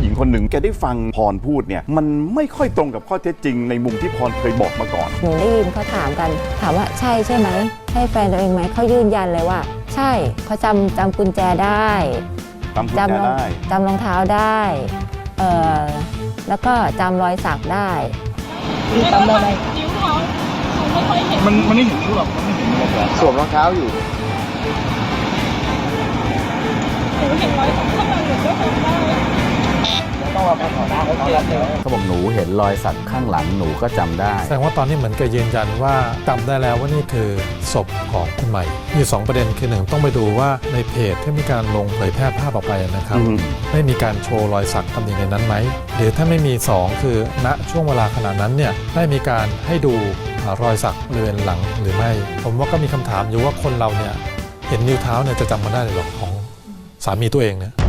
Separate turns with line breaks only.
หญิงคนหนึ่งแกได้ฟังพรพูดเนี่ยมันไม่ค่อยตรงกับข้อเท็จจริงในมุมที่พรเคยบอกมาก่อน
หนูได้ยินเขาถามกันถามว่าใช่ไหมใช่แฟนตัวเองไหมเขายืนยันเลยว่าใช่เขาจำกุญแจได้จำรองเท้าได้แล้วก็จำรอยสักได้จำอะไรนิ้วเท้าไม่ค่อยเห็น
มันไม่เห็นนิ้วหรอกมันไม่เห็นเลย
สวมรองเท้าอยู่
หนูเห็นรอยสักข้างหลังหนูก็จำได้
ต้องมาขอได้
เขาบอกหนูเห็นรอยสักข้างหลังหนูก็จำได้
แสดงว่าตอนนี้เหมือนกับยืนยันว่าจำได้แล้วว่านี่คือศพของคุณใหม่มี2ประเด็นคือ1ต้องไปดูว่าในเพจที่มีการลงเผยแพร่ภาพออกไปนะครับได้มีการโชว์รอยสักตำหนิในนั้นไหมหรือถ้าไม่มี2คือณช่วงเวลาขณะนั้นเนี่ยได้มีการให้ดูรอยสักบริเวณหลังหรือไม่ผมว่าก็มีคำถามอยู่ว่าคนเราเนี่ยเห็นนิ้วเท้าเนี่ยจะจำมาได้หรือหรอของสามีตัวเองเนี่ย